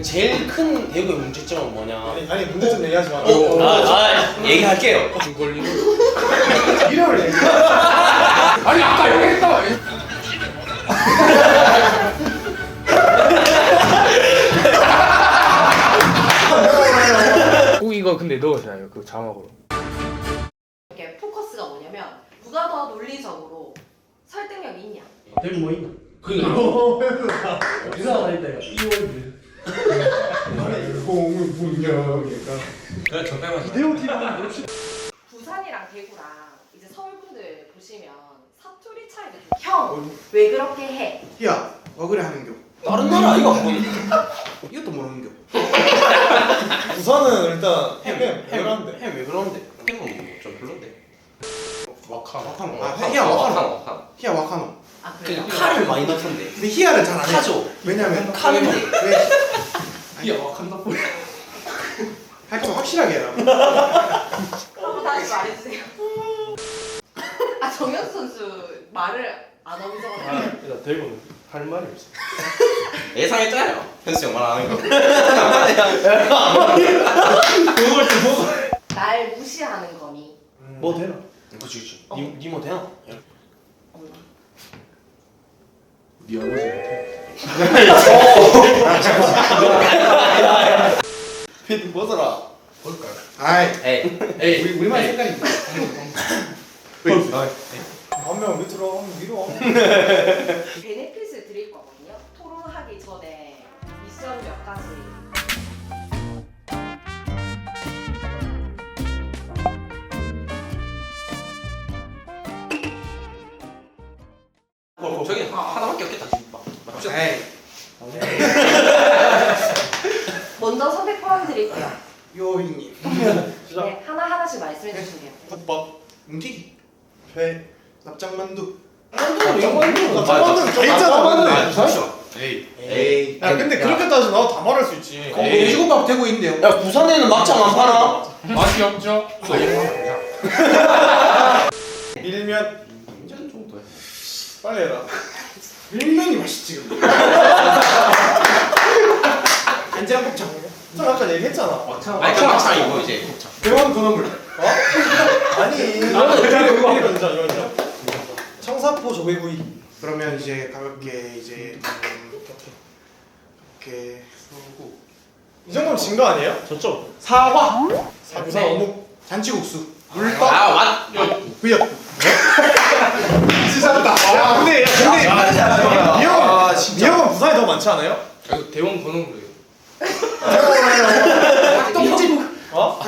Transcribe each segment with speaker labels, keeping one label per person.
Speaker 1: 제일 큰 대구의 문제점은 뭐냐?
Speaker 2: 아니 문제점 얘기하지 마.
Speaker 1: 얘기할게요.
Speaker 3: 줄 걸리고.
Speaker 2: 이름을 얘기해.
Speaker 3: 아니 아까 얘기했다. 꼭 이거 근데 넣으셔요 그 자막으로.
Speaker 4: 이렇게 포커스가 뭐냐면 누가 더 논리적으로 설득력이 있냐.
Speaker 1: 대구 뭐 있나?
Speaker 2: 이상하다 했다. 2월 공은 분명이니까.
Speaker 1: 그래 적당히
Speaker 2: 이대호 팀은
Speaker 4: 부산이랑 대구랑 이제 서울분들 보시면 사투리 차이가 좀. 형, 왜 그렇게 해?
Speaker 5: 야, 왜 그래 하는겨?
Speaker 1: 다른 나라 아이가 뭐
Speaker 5: 이것도 모르는겨?
Speaker 2: 부산은 일단 햄 그런데.
Speaker 1: 햄왜 그러는데? 햄은 좀 별론데.
Speaker 5: 와카노.
Speaker 1: 아,
Speaker 5: 히야 와카노.
Speaker 1: 와카노.
Speaker 5: 히야 와카노.
Speaker 4: 아 그래요?
Speaker 1: 그냥 칼을 많이 넣던데.
Speaker 5: 근데 히야를 잘 안 해.
Speaker 1: 카죠.
Speaker 5: 왜냐면
Speaker 1: 칼인데.
Speaker 5: 왜?
Speaker 3: 야 와칸다 볼.
Speaker 5: 할 거면 확실하게 해라.
Speaker 4: 한번 다시 말해주세요. 아 정현수 선수 말을 안 하고 적었네.
Speaker 3: 일단 대구는 할 말이 없어.
Speaker 1: 예상했잖아요. 현수 형 말 안 하는 거.
Speaker 4: 날 무시하는 거니.
Speaker 2: 뭐 되나?
Speaker 1: 그치. 니뭐 되나?
Speaker 4: 없나?
Speaker 3: 네 아버지.
Speaker 1: 피드 벗어라.
Speaker 3: 볼까요?
Speaker 5: 아이,
Speaker 1: 에이.
Speaker 5: 우리만 색깔입니다.
Speaker 2: 한명 밑으로 한명 위로.
Speaker 4: 베네핏을 드릴 거거든요. 토론하기 전에 미션 몇 가지.
Speaker 1: 저기 하나밖에 없겠다. 김밥. 맞죠?
Speaker 5: 에이,
Speaker 4: 먼저 선택 포함 드릴게요.
Speaker 5: 요희님.
Speaker 4: 네, 하나하나씩 말씀해 주시면 돼요.
Speaker 5: 국밥, 뭉티기, 회, 납작만두.
Speaker 2: 납작만두는 다
Speaker 1: 아,
Speaker 2: 있잖아.
Speaker 1: 그렇죠.
Speaker 5: 에이.
Speaker 2: 야 근데 그렇게 따지면 나도 다 말할 수 있지.
Speaker 5: 돼지국밥 되고 있는데요.
Speaker 1: 야 부산에는 막창 안 파나?
Speaker 3: 맛이 없죠?
Speaker 2: 밀면
Speaker 1: 인천 정도야.
Speaker 2: 빨리 해라.
Speaker 5: 밀면이 맛있지. 간장 곱창.
Speaker 2: 저 아까 얘기했잖아.
Speaker 1: 아니 그 막창이고 이제 곱창.
Speaker 5: 대원 건어물.
Speaker 2: 아니. 이거 인정. 청사포 조개구이.
Speaker 5: 그러면 이제 가볍게 이제 이렇게 쏘고
Speaker 2: 이 정도면 진 거 아니에요?
Speaker 1: 저쪽.
Speaker 5: 사과,
Speaker 2: 부산 어묵.
Speaker 5: 잔치국수,
Speaker 1: 물떡. 아 맞.
Speaker 5: 부역.
Speaker 2: 진짜 잘한다. 야 근데 이 형은 부산이 더 많지 않아요?
Speaker 3: 이거 대원 번호물이에요.
Speaker 5: 닭똥집.
Speaker 2: 어?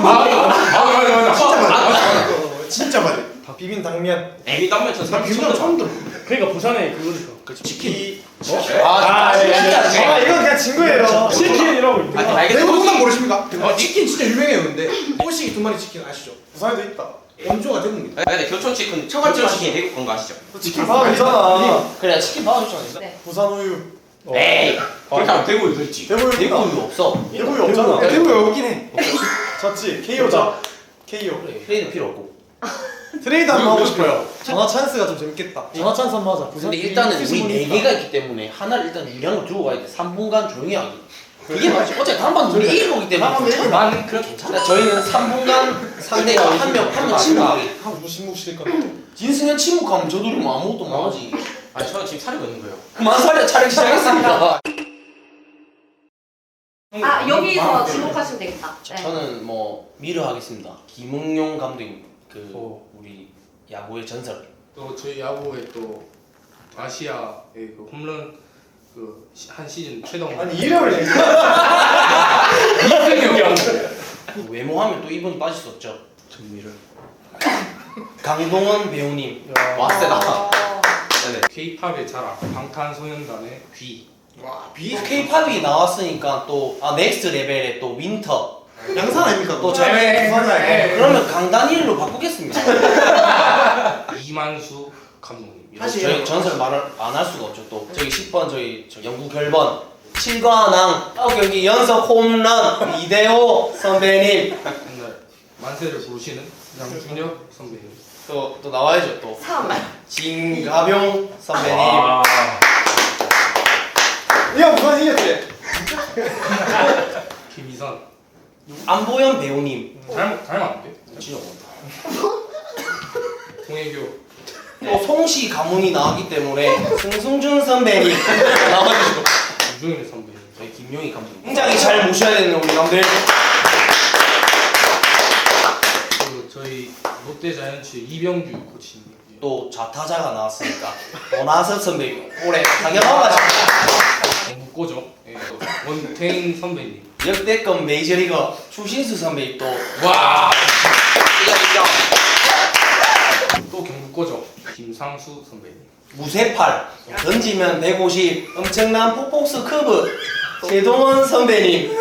Speaker 3: 맞아.
Speaker 5: 진짜 맞아.
Speaker 2: 비빔 당면.
Speaker 1: 에이 땀면 저 사람
Speaker 5: 비빔면 처음 들어.
Speaker 3: 그러니까 부산에 그거니까.
Speaker 1: 그치 치킨.
Speaker 2: 아
Speaker 1: 진짜.
Speaker 2: 이건 그냥 진 거예요.
Speaker 3: 치킨이라고 있대.
Speaker 1: 아니 알겠어.
Speaker 5: 대구동산 모르십니까? 치킨 진짜 유명해요. 근데 꼬시기 두 마리 치킨 아시죠?
Speaker 2: 부산에도 있다.
Speaker 5: 원조가 대구입니다.
Speaker 1: 근데 교촌 치킨 처갓집 치킨 대구 건거 아시죠?
Speaker 2: 치킨 받아주잖아.
Speaker 1: 그래 치킨 받아줬잖아.
Speaker 4: 네.
Speaker 2: 부산 우유.
Speaker 1: 에이. 그렇게 하면 대구 이거 있지.
Speaker 2: 대구
Speaker 1: 대구 이거 없어.
Speaker 2: 대구 우유 없잖아.
Speaker 5: 대구 여긴 해.
Speaker 2: 졌지. KO자. KO.
Speaker 1: 그래 플레이는 필요 없고.
Speaker 2: 트레이드 한번 하고 싶어요. 전화 찬스가 좀 재밌겠다. 전화 찬스 한번 하자.
Speaker 1: 근데 일단은 우리 4개가 있기 때문에 하나를 일단 유리한 걸 두고 가야 돼. 3분간 조용히 하기. 그게 맞지. 어차피 한번 우리 이길 거기 때문에. 나는 그렇게 괜찮아. 저희는 3분간 상대가 한 명 침묵하기.
Speaker 2: 누구 침묵시킬 건데?
Speaker 1: 진승현 침묵하면 저들이 뭐 아무것도 못 하지. 아니 저는 지금 차리고 있는 거예요. 그만 살려 촬영 시작했습니다.
Speaker 4: 아 여기서 지목하시면 되겠다. 네.
Speaker 1: 저는 뭐 미르 하겠습니다. 김응용 감독님 그
Speaker 3: 오.
Speaker 1: 우리 야구의 전설.
Speaker 3: 또 저희 야구에 또 아시아의 그 홈런 그 한 시즌 최동.
Speaker 2: 아니 이름을 얘기해.
Speaker 3: 이승엽이
Speaker 1: 그 외모하면 또 이분이 빠질 수 없죠.
Speaker 3: 전미를.
Speaker 1: 강동원 배우님. 와 세다. 네네.
Speaker 3: K-팝의 자랑 방탄소년단의 귀.
Speaker 5: 와, 비
Speaker 1: K-팝이 나왔으니까 또 넥스트 레벨의 또 윈터.
Speaker 5: 양산 아닙니까?
Speaker 1: 또 저. 그러면 강다니엘로 바꾸겠습니다.
Speaker 3: 이만수 감독님.
Speaker 5: 다시
Speaker 1: 저희 전설 말을 안 할 수가 없죠. 또 저기 10번 저 영구 결번 7관왕 9경기 연속 홈런 이대호 선배님.
Speaker 3: 맨날 만세를 부르시는 양준혁 선배님.
Speaker 1: 또 나와야죠. 또
Speaker 4: 3.
Speaker 1: 진가병 선배님.
Speaker 2: 이형 부산 이겼지?
Speaker 3: 이선.
Speaker 1: 안보현 배우님.
Speaker 3: 닮았는데?
Speaker 1: 진짜
Speaker 3: 송혜교.
Speaker 1: 또 송씨 가문이 나왔기 때문에 승승준 선배님 나와주시고
Speaker 3: 유종일 선배.
Speaker 1: 저희 김용희 감독님 굉장히 잘 모셔야 되는 우리 감독님.
Speaker 3: 그 저희 롯데 자이언츠 이병규 코치님.
Speaker 1: 또 좌타자가 나왔으니까 원하섭 선배님 올해 당연한 거죠.
Speaker 3: 국고죠. 예, 또 원태인 선배님.
Speaker 1: 역대급 메이저리거 추신수 선배님 또
Speaker 3: 와.
Speaker 1: 인정.
Speaker 3: 또 경북고죠. 김상수 선배님.
Speaker 1: 무쇠팔 던지면 150 엄청난 폭폭스 커브 최동원 선배님.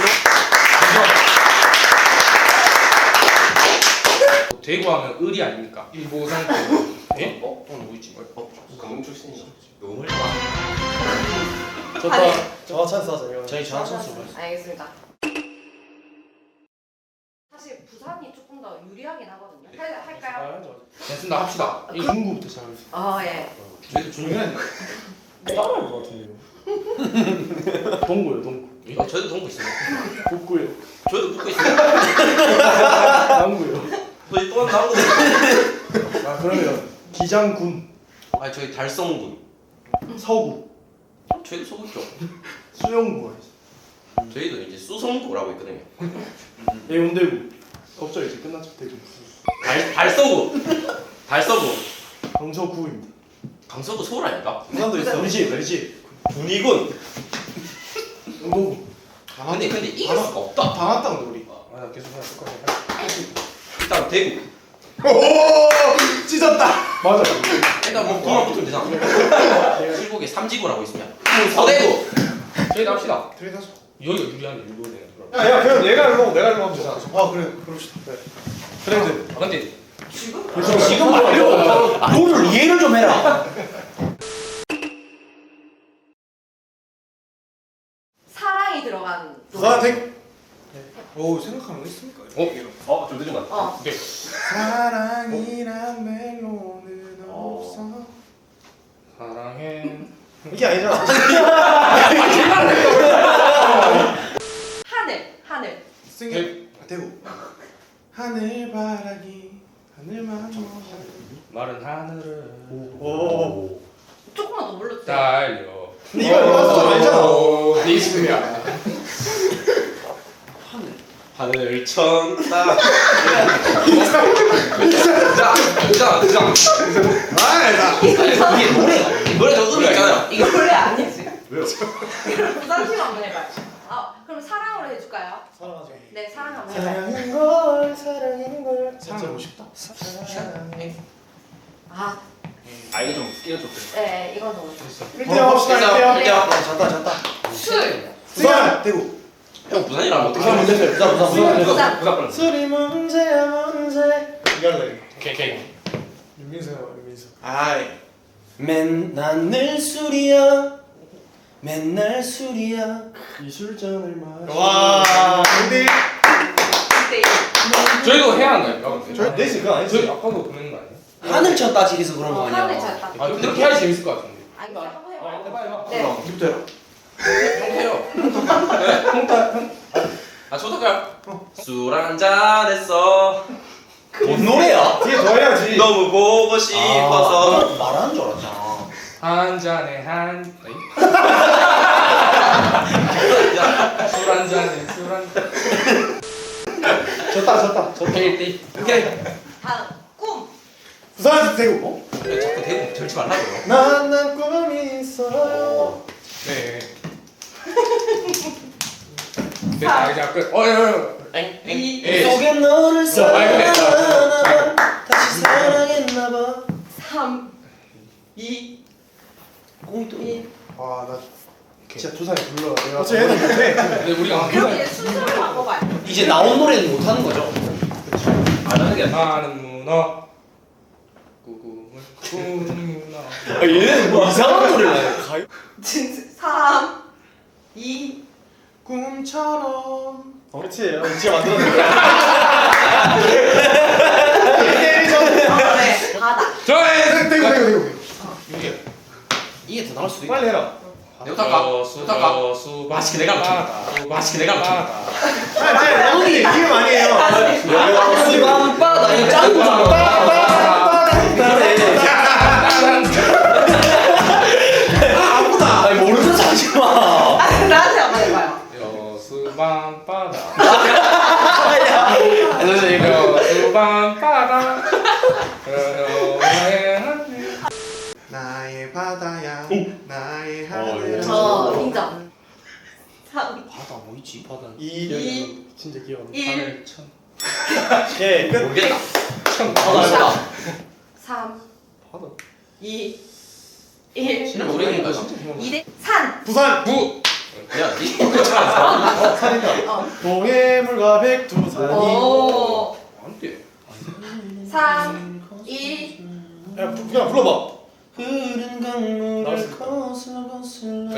Speaker 3: 대구하면 의리 아닙니까? 일보상. 예? 또 누구 있지?
Speaker 5: 강릉 출신이죠. 너무
Speaker 2: 좋다.
Speaker 4: 아니.
Speaker 2: 전화 찬스 하자 이거.
Speaker 1: 저희 전화 선수
Speaker 4: 알겠습니다. 사실 부산이 조금 더 유리하긴 하거든요. 할까요?
Speaker 3: 됐습니다. 합시다.
Speaker 2: 중구부터 시작하겠습니다.
Speaker 4: 예.
Speaker 3: 저희도 준비한.
Speaker 2: 따라할 것 같은데요. 동구요 동구.
Speaker 5: 저희도 동부 있어요.
Speaker 2: 북구요.
Speaker 5: 저희도 붙고 있어요.
Speaker 2: 남구요.
Speaker 5: 저희 또 나오고.
Speaker 2: 아 그러면 기장군,
Speaker 5: 아 저희 달성군.
Speaker 2: 서구,
Speaker 5: 저희도 속었죠.
Speaker 2: 수영구,
Speaker 5: 저희도 이제 수성구라고 있거든요.
Speaker 2: 해운대구. 없죠 이제 끝났죠 대구.
Speaker 5: 달서구. 달서구.
Speaker 2: 강서구입니다.
Speaker 5: 강서구 서울 아닌가?
Speaker 2: 부산도 있어. 우리 집.
Speaker 5: 군위군.
Speaker 2: 응도구.
Speaker 5: 근데 이길 수가 없다.
Speaker 2: 다 왔다 우리.
Speaker 3: 아, 나 계속 그냥 똑같이.
Speaker 5: 일단 대구.
Speaker 2: 오 찢었다. 맞아.
Speaker 5: 일단 뭐 구만 붙으면 되잖아. 칠곡에 삼지구라고 있으면. 서대구.
Speaker 3: 저희도 합시다.
Speaker 2: 트레이드 하자.
Speaker 3: 여기가 유리한데 일로 되는 그럼.
Speaker 2: 야 그냥 얘가 일로 내가 일로 하면 되잖아. 아 그래 그럽시다. 네. 트레이드.
Speaker 3: 아 근데
Speaker 1: 지금 말려. 룰을 이해를 좀 해라.
Speaker 4: 사랑이 들어간
Speaker 2: 아 땡. 오 생각하는 거 있습니까?
Speaker 5: 좀 늦은 것 같아.
Speaker 3: 오케이.
Speaker 2: 사랑이란 멜로디는 없어.
Speaker 3: 사랑해.
Speaker 2: 이게 아니잖아.
Speaker 4: 하늘.
Speaker 2: 승희 대구. 하늘바라기 하늘만
Speaker 3: 마른 하늘을
Speaker 2: 오.
Speaker 4: 조금만 더 불러주세요.
Speaker 3: 달려.
Speaker 2: 근데 이거 좀 알잖아.
Speaker 3: 네 이승이야.
Speaker 5: 하늘 천다. 그장.
Speaker 1: 이게 노래가
Speaker 5: 노래 저 음이 있잖아요.
Speaker 4: 이거 원래 아니지.
Speaker 2: 왜요?
Speaker 4: 그럼 부산팀 한번 해봐요. 그럼 사랑으로 해줄까요?
Speaker 2: 사랑하죠.
Speaker 4: 네, 사랑 한번 해봐요.
Speaker 2: 사랑하는 걸 사랑하고 싶다.
Speaker 5: 이거 좀 스케일 좀.
Speaker 4: 네, 이건 더.
Speaker 2: 1대0 합시다. 1대0.
Speaker 1: 졌다.
Speaker 4: 술.
Speaker 2: 부산 대구.
Speaker 5: 형 부산이라면 어떻게
Speaker 1: 부산 문제 부산.
Speaker 4: 부산.
Speaker 2: 술이 문제야 문제. 이거 할래.
Speaker 3: 오케이.
Speaker 2: 윤민수야 윤민수. 아이.
Speaker 1: 맨날 술이야. 맨날 술이야.
Speaker 2: 이 술잔을 마시.
Speaker 1: 와.
Speaker 2: 근데
Speaker 4: 네.
Speaker 3: 저희도 해야 하나요?
Speaker 2: 저희 넷이 그거
Speaker 3: 저희
Speaker 2: 아니지?
Speaker 3: 아까도 보낸 거 아니에요?
Speaker 1: 하늘 쳤다 지리서 그런 거
Speaker 4: 하늘
Speaker 1: 아니야?
Speaker 4: 쳤다.
Speaker 3: 아 그렇게 해야 재밌을 것 같은데.
Speaker 4: 아니, 한번 해봐요.
Speaker 3: 해봐.
Speaker 4: 네.
Speaker 2: 이부터 해라.
Speaker 5: 형태요. 아 초등학교. 술 한잔 했어.
Speaker 1: 뭔 노래야?
Speaker 2: 뒤에 더 해야지.
Speaker 5: 너무 보고 싶어서.
Speaker 1: 말하는 줄 알았잖아.
Speaker 3: 한 잔에 한. 술한 잔에 술 한.
Speaker 2: 졌다.
Speaker 3: 오케이.
Speaker 4: 다음. 꿈.
Speaker 2: 부산 대구.
Speaker 5: 왜 자꾸 대구 절치 말라고요.
Speaker 2: 난 꿈이 있어요.
Speaker 3: 네. 됐다 이제 끝. 예.
Speaker 1: 속에 너를
Speaker 3: 알겠네.
Speaker 1: 사랑하나봐. 다시 사랑했나봐.
Speaker 4: 3.
Speaker 1: 2 0
Speaker 2: 와, 나 진짜 두 살이 불러. 내가 어째 해도 못해.
Speaker 3: 근데 우리가
Speaker 4: 그럼 이제 순서를 바꿔봐요.
Speaker 1: 이제 나온 노래는 못 하는 거죠?
Speaker 5: 안 하는 게
Speaker 3: 나는 문어 꿈을 꾸는 문어.
Speaker 1: 얘는 뭐 이상한 노래를 해.
Speaker 4: 3. 2.
Speaker 2: 꿈처럼. 그렇지. 진짜 만들었네.
Speaker 4: 네. 바다.
Speaker 3: 저의
Speaker 2: 대구.
Speaker 1: 이게 더 나올 수도 있다.
Speaker 2: 빨리 해라.
Speaker 5: 내가 부탁가. 맛있게 내가 먹힌다. 맛있게 내가 먹힌다.
Speaker 2: 형이 이게 많이 해요.
Speaker 1: 수밤바다 이거 짱구잖아.
Speaker 2: 아프다.
Speaker 1: 아니 모르는 척 하지 마.
Speaker 4: 나한테 한번 해봐요.
Speaker 3: 여수밤바다.
Speaker 1: 이거
Speaker 3: 여수밤바다.
Speaker 2: 나의 바다야. 나의 하늘.
Speaker 4: 저 인정. 3,
Speaker 1: 바다 뭐 있지 바다.
Speaker 2: 2 진짜 귀여워.
Speaker 4: 1,
Speaker 2: 예. 끝.
Speaker 5: 모르겠다.
Speaker 1: 바다.
Speaker 4: 3,
Speaker 2: 바다.
Speaker 4: 2, 1.
Speaker 5: 진짜 모르겠다.
Speaker 4: 2대 산.
Speaker 2: 부산.
Speaker 5: 야, 니
Speaker 2: 산이다. 동해물과 백두산이.
Speaker 4: 오.
Speaker 3: 안 돼.
Speaker 4: 3, 2.
Speaker 2: 야, 그냥 불러봐.
Speaker 1: 흐른 강물을
Speaker 2: 나왔습니다.
Speaker 1: 거슬러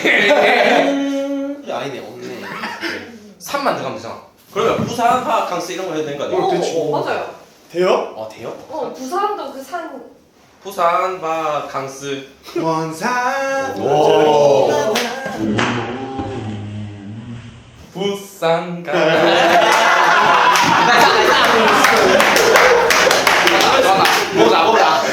Speaker 1: 아니네 없네.
Speaker 5: 3만 들어가면 되잖아. 그러면 부산 화학 강스 이런 거 해야 되는 거 아니야?
Speaker 4: 오, 맞아요.
Speaker 2: 돼요?
Speaker 1: 돼요?
Speaker 4: 부산도 그 산.
Speaker 5: 부산 화학 강스.
Speaker 2: 원산.
Speaker 1: 오.
Speaker 3: 부산 가.
Speaker 5: 뭐다.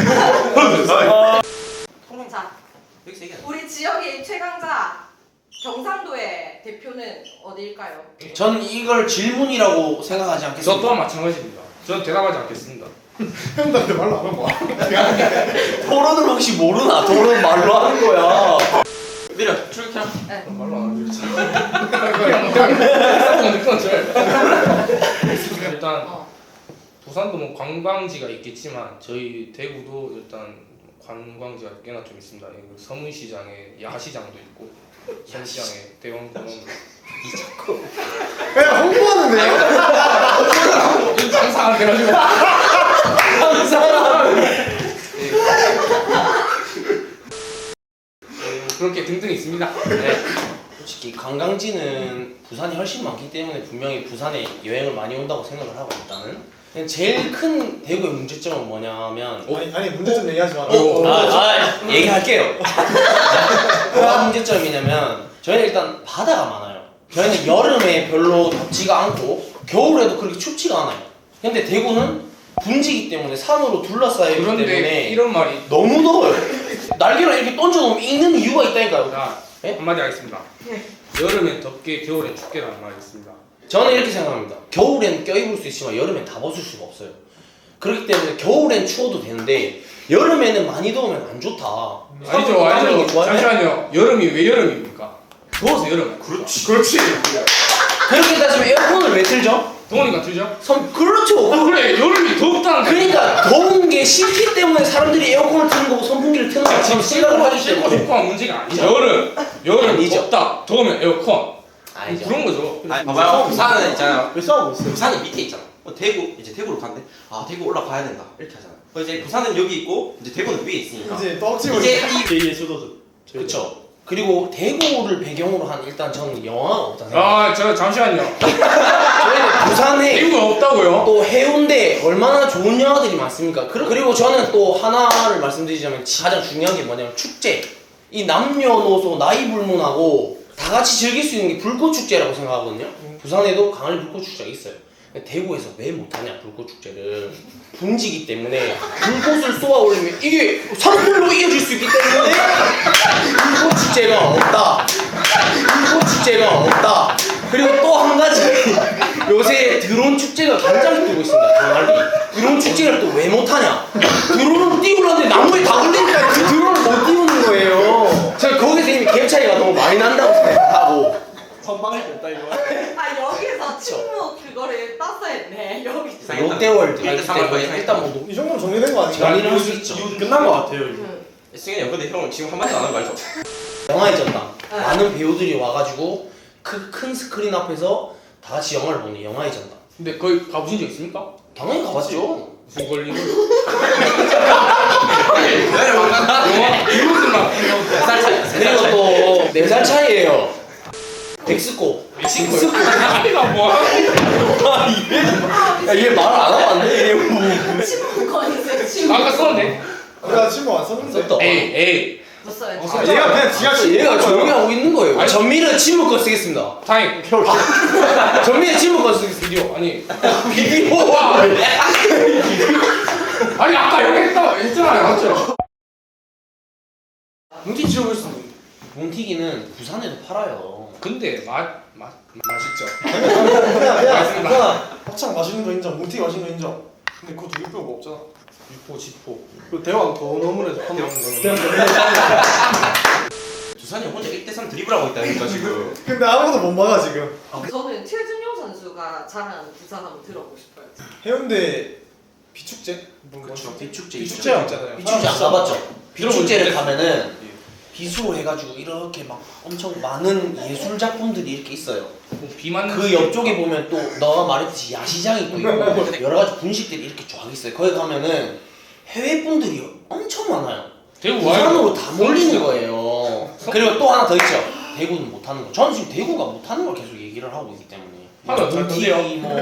Speaker 4: 자,
Speaker 5: 여기서 얘기하자.
Speaker 4: 우리 지역의 최강자 경상도의 대표는 어디일까요?
Speaker 1: 전 이걸 질문이라고 생각하지 않겠습니다.
Speaker 3: 저 또한 마찬가지입니다. 저는 대답하지 않겠습니다.
Speaker 2: 형들한테 말로 안 한 거야.
Speaker 1: 토론을 혹시 모르나? 토론 말로 하는 거야.
Speaker 5: 내려 출켑.
Speaker 4: 네.
Speaker 3: 말로 안 하죠. 그냥 느낌 일단 부산도 뭐 관광지가 있겠지만 저희 대구도 일단 관광지가 꽤나 좀 있습니다. 서문시장에 야시장도 있고 서문시장에 대원공원.
Speaker 2: 그냥 홍보하는데요?
Speaker 3: 장사 안 돼가지고. 그렇게 등등 있습니다. 네.
Speaker 1: 솔직히 관광지는 부산이 훨씬 많기 때문에 분명히 부산에 여행을 많이 온다고 생각을 하고 일단은 그냥 제일 큰 대구의 문제점은 뭐냐면
Speaker 2: 아니 문제점 얘기하지 마.
Speaker 1: 얘기할게요. 뭐가 문제점이냐면 저희는 일단 바다가 많아요. 저희는 여름에 별로 덥지가 않고 겨울에도 그렇게 춥지가 않아요. 근데 대구는 분지기 때문에 산으로 둘러싸여 있기
Speaker 3: 그런데
Speaker 1: 때문에
Speaker 3: 이런 말이
Speaker 1: 너무 더워요. 날개를 이렇게 던져놓으면 익는 이유가 있다니까요.
Speaker 3: 자,
Speaker 1: 네?
Speaker 3: 한마디 하겠습니다.
Speaker 4: 네.
Speaker 3: 여름엔 덥게 겨울엔 춥게라는 말이 있습니다.
Speaker 1: 저는 이렇게 생각합니다. 겨울엔 껴입을 수 있지만 여름엔 다 벗을 수가 없어요. 그렇기 때문에 겨울엔 추워도 되는데 여름에는 많이 더우면 안 좋다.
Speaker 3: 아니죠,
Speaker 1: 땀나는 게
Speaker 3: 아니죠.
Speaker 1: 좋아요?
Speaker 3: 잠시만요. 여름이 왜 여름입니까? 더워서 여름.
Speaker 5: 그렇지.
Speaker 1: 그렇게 따지면 에어컨을 왜 틀죠?
Speaker 3: 더우니까 틀죠?
Speaker 1: 그렇죠.
Speaker 3: 그래, 여름이 덥다는 거야.
Speaker 1: 그러니까 더운 게 싫기 때문에 사람들이 에어컨을 트는 거고 선풍기를 트는 거고 지금 생각을 하기
Speaker 3: 싫고
Speaker 1: 때문에.
Speaker 3: 좋고 한 문제가 아니죠. 여름
Speaker 1: 아니죠.
Speaker 3: 덥다. 더우면 에어컨.
Speaker 1: 아니죠.
Speaker 3: 그런 거죠.
Speaker 5: 아니 봐봐요. 부산은 있잖아요.
Speaker 2: 왜 싸우고 있어요?
Speaker 5: 부산이 밑에 있잖아. 대구 이제 대구로 간대. 아 대구 올라가야 된다. 이렇게 하잖아. 이제 부산은 여기 있고 이제 대구는 위에 있으니까.
Speaker 2: 이제 떡지고
Speaker 5: 이제
Speaker 2: 제2의 수도죠.
Speaker 1: 그렇죠. 그리고 대구를 배경으로 한 일단 저는 영화가 없다 생각해요.
Speaker 3: 아, 저 잠시만요.
Speaker 1: 저희는 부산에
Speaker 3: 대구가 없다고요?
Speaker 1: 또 해운대 얼마나 좋은 영화들이 많습니까? 그리고 저는 또 하나를 말씀드리자면 가장 중요한 게 뭐냐면 축제. 이 남녀노소 나이 불문하고 다 같이 즐길 수 있는 게 불꽃 축제라고 생각하거든요. 부산에도 강을 불꽃 축제가 있어요. 근데 대구에서 왜 못하냐 불꽃 축제를 분지기 때문에 불꽃을 쏘아 올리면 이게 산불로 이어질 수 있기 때문에 불꽃 축제가 없다. 불꽃 축제가 없다. 그리고 또 한 가지 요새 드론 축제가 굉장히 뜨고 있습니다. 강할리 드론 축제를 또 왜 못하냐? 드론을 띄우려는데 나무에 다 걸리니까 그 드론을 못 띄우는 거예요. 제가 거기서 이미 갭 차이가 너무 많이 난다고 생각하고
Speaker 2: 선방할 때 없다 이거.
Speaker 4: 아 여기서 침묵 그거를 땄어야 했네. 여기.
Speaker 1: 롯데월드
Speaker 5: 일단 삼월 거의
Speaker 1: 일단 뭐
Speaker 2: 이 정도면 정리된 거 아닌가?
Speaker 1: 정리를 할 수 있죠.
Speaker 2: 끝난 거 같아요. 이거.
Speaker 5: 승현이 형 근데 형 지금 한마디도 안 하는 거 알죠?
Speaker 1: 영화의 전당 많은 배우들이 와가지고 그 큰 스크린 앞에서 다 같이 영화를 보는 영화의 전당
Speaker 3: 근데 거기 가보신 적 있습니까?
Speaker 1: 당연히 가봤죠.
Speaker 3: 무슨 권리로?
Speaker 5: 영화
Speaker 3: 이분들만
Speaker 5: 몇살 차이?
Speaker 1: 그리고 또 4살 차이에요. 백스코
Speaker 3: 멕시코. 아니가 뭐야?
Speaker 1: 야, 얘 말을 안 하면 안 돼.
Speaker 4: 침묵 거리세요. 침묵.
Speaker 3: 아까 썼는데.
Speaker 2: 내가 친구 안 썼는데.
Speaker 1: 썼다.
Speaker 3: 에이.
Speaker 4: 붙어요.
Speaker 3: 아,
Speaker 2: 얘가 그냥 지가
Speaker 1: 얘가 조용히 하고 있는 거예요.
Speaker 3: 아니,
Speaker 1: 전미는 침묵권 쓰겠습니다.
Speaker 3: 타임.
Speaker 1: 전미는 침묵권 쓰겠습니다.
Speaker 3: 비디오 아니.
Speaker 1: 비디오와
Speaker 3: 아니 아까 여기 했잖아요, 맞죠?
Speaker 1: 뭉티 지어볼 수 있는. 뭉티기는 부산에도 팔아요.
Speaker 3: 근데 맛있죠.
Speaker 2: 그냥 합창 맛있는 거 인정, 뭉티 맛있는 거 인정. 근데 그거 두 개뼈가 없잖아.
Speaker 3: 유포, 지포.
Speaker 2: 그 대왕 더 너무해서 판다.
Speaker 5: 두산이 혼자 1대3 드리블하고 있다니까 지금.
Speaker 2: 근데 아무도 못 막아 지금.
Speaker 4: 저는 최준용 선수가 잘하는 부산 한번 들어보고 싶어요.
Speaker 2: 해운대 비축제?
Speaker 1: 그렇죠. 비축제
Speaker 2: 비축제 있잖아요.
Speaker 1: 비축제 안 가봤죠? 비축제를
Speaker 3: 들어볼
Speaker 1: 가면은 비수로 해가지고 이렇게 막 엄청 많은 예술 작품들이 이렇게 있어요.
Speaker 3: 비 맞는
Speaker 1: 그 옆쪽에 보면 또 너가 말했듯이 야시장이 또 있고 여러 가지 분식들이 이렇게 쫙 있어요. 거기 가면은 해외 분들이 엄청 많아요.
Speaker 3: 대구
Speaker 1: 부산으로 다 몰리는 거예요. 그리고 또 하나 더 있죠. 대구는 못하는 거. 저는 지금 대구가 못하는 걸 계속 얘기를 하고 있기 때문에.
Speaker 3: 하면 어떨 건데요?
Speaker 1: 뭐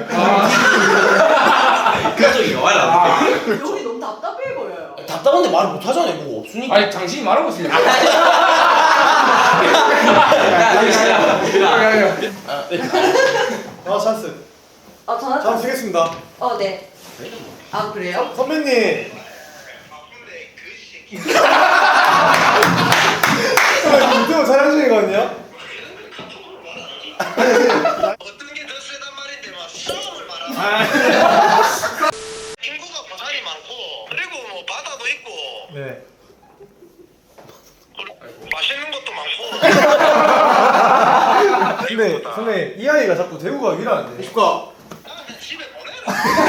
Speaker 5: 그쪽이 와라.
Speaker 4: 여기 너무 답답해 보여요.
Speaker 1: 답답한데 말 못하잖아요. 뭐 없으니까.
Speaker 3: 아니 당신이 말하고 있습니다.
Speaker 2: 아 찬스.
Speaker 4: 전화
Speaker 2: 찬스 쓰겠습니다.
Speaker 4: 네. 아 그래요?
Speaker 2: 선배님. 유튜브 촬영 중이거든요.
Speaker 6: 어떤 게 더 세단 말인데 막 싸움을 말하는 인구가 부산이 많고 그리고 뭐 바다도 있고
Speaker 2: 네.
Speaker 6: 그리고 맛있는 것도 많고
Speaker 2: 근데 선배님 이 아이가 자꾸 대구 가기라는데. 축하.
Speaker 6: 나는 집에 보내라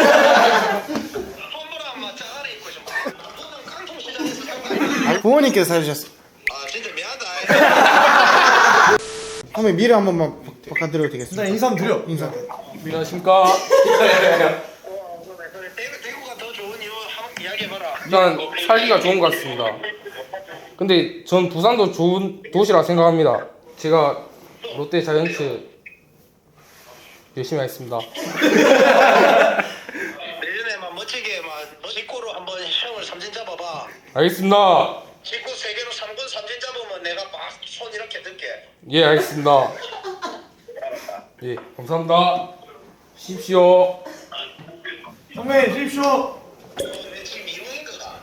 Speaker 6: 선물한 막 짜가리 입고 좀 너는 깡통시장에서 산거 아니야?
Speaker 7: 부모님께서 사주셨어요.
Speaker 6: 아 진짜 미안하다
Speaker 7: 한번 미래 한 번만 바꿔드려도
Speaker 2: 일단
Speaker 7: 되겠습니다.
Speaker 2: 인사 한번 드려.
Speaker 7: 인사.
Speaker 3: 안녕하십니까.
Speaker 6: 대구가 더 좋은 이유 한번 이야기해봐라
Speaker 3: 일단 살기가 좋은 것 같습니다. 근데 전 부산도 좋은 도시라 생각합니다. 제가 롯데 자이언츠 열심히 하겠습니다.
Speaker 6: 내년에 막 멋지게 막 직구로 한번 형을 삼진 잡아봐
Speaker 3: 알겠습니다.
Speaker 6: 직구 3개로 3군 삼진 잡으면 내가 막 손 이렇게 들게
Speaker 3: 예, 알겠습니다. 예, 감사합니다. 쉬십시오.
Speaker 2: 선배님 쉬십시오.
Speaker 6: 내 지금 이루는 거다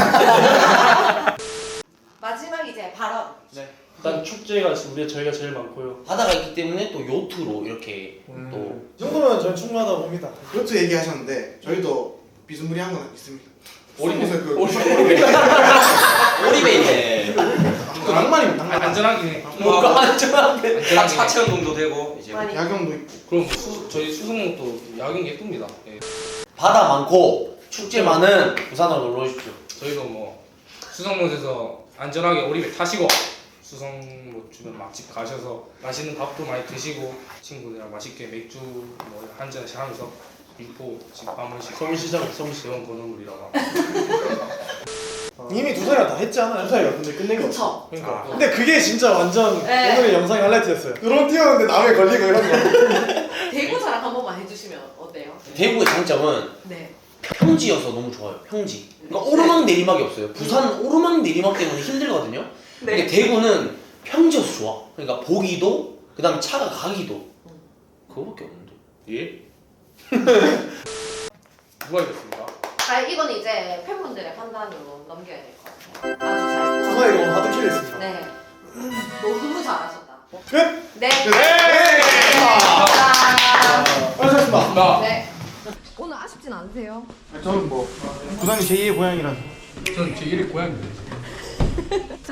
Speaker 4: 마지막 이제 발언.
Speaker 8: 일단 축제가 저희가 제일 많고요.
Speaker 1: 바다가 있기 때문에 또 요트로 이렇게 또
Speaker 2: 이 정도면 저는 충분하다고 봅니다.
Speaker 7: 그렇죠 얘기하셨는데 저희도 비스무리한 건 있습니다.
Speaker 8: 오리배.
Speaker 1: 오리배 있네.
Speaker 7: 낭만이면 낭만.
Speaker 3: 안전하긴 해.
Speaker 1: 뭐가 안전한데.
Speaker 5: 하체 운동도 되고 이제
Speaker 4: 많이.
Speaker 7: 야경도 있고.
Speaker 3: 그럼 저희 수성목도 야경 예쁩니다. 예.
Speaker 1: 바다 많고 축제 많은 부산으로 놀러 오십시오.
Speaker 3: 저희도 뭐 수성못에서 안전하게 오리배 타시고 수성못 주변 맛집 가셔서 맛있는 밥도 많이 드시고 친구들이랑 맛있게 맥주 뭐 한 잔씩 하면서 육포 지금 한 번씩
Speaker 8: 서울시장
Speaker 3: 대원 건어물이라고
Speaker 2: 이미 두 살이나 다 했지 않아요? 두 살이가 근데 끝낸 거.
Speaker 4: 그쵸.
Speaker 2: 그러니까. 근데 그게 진짜 완전
Speaker 4: 네.
Speaker 2: 오늘의 영상의 하이라이트였어요. 드론 띄웠는데 남에 걸리고 이런 거.
Speaker 4: 대구 자랑 한 번만 해주시면 어때요?
Speaker 1: 대구의 장점은
Speaker 4: 네.
Speaker 1: 평지여서 너무 좋아요. 평지. 그러니까 오르막 내리막이 없어요. 부산은 오르막 내리막 때문에 힘들거든요. 근데
Speaker 4: 네.
Speaker 1: 대구는 평지여서 좋아. 그러니까 보기도 그다음 차가 가기도 그거밖에 없는데.
Speaker 3: 예? 누가 이겼습니까?
Speaker 4: 아 이거는 이제 팬분들의 판단으로 넘겨야 될 것 같아요. 아주 잘.
Speaker 2: 두 살이가 오늘 하드킬했습니다.
Speaker 4: 네. 너무 잘하셨다.
Speaker 2: 끝!
Speaker 4: 네.
Speaker 2: 네!
Speaker 4: 감사합니다.
Speaker 2: 수고하셨습니다.
Speaker 4: 네. 오늘 아쉽진 않으세요?
Speaker 7: 저는 뭐 부산이 제2의 고향이라서.
Speaker 3: 저는 제 1위 고향입니다.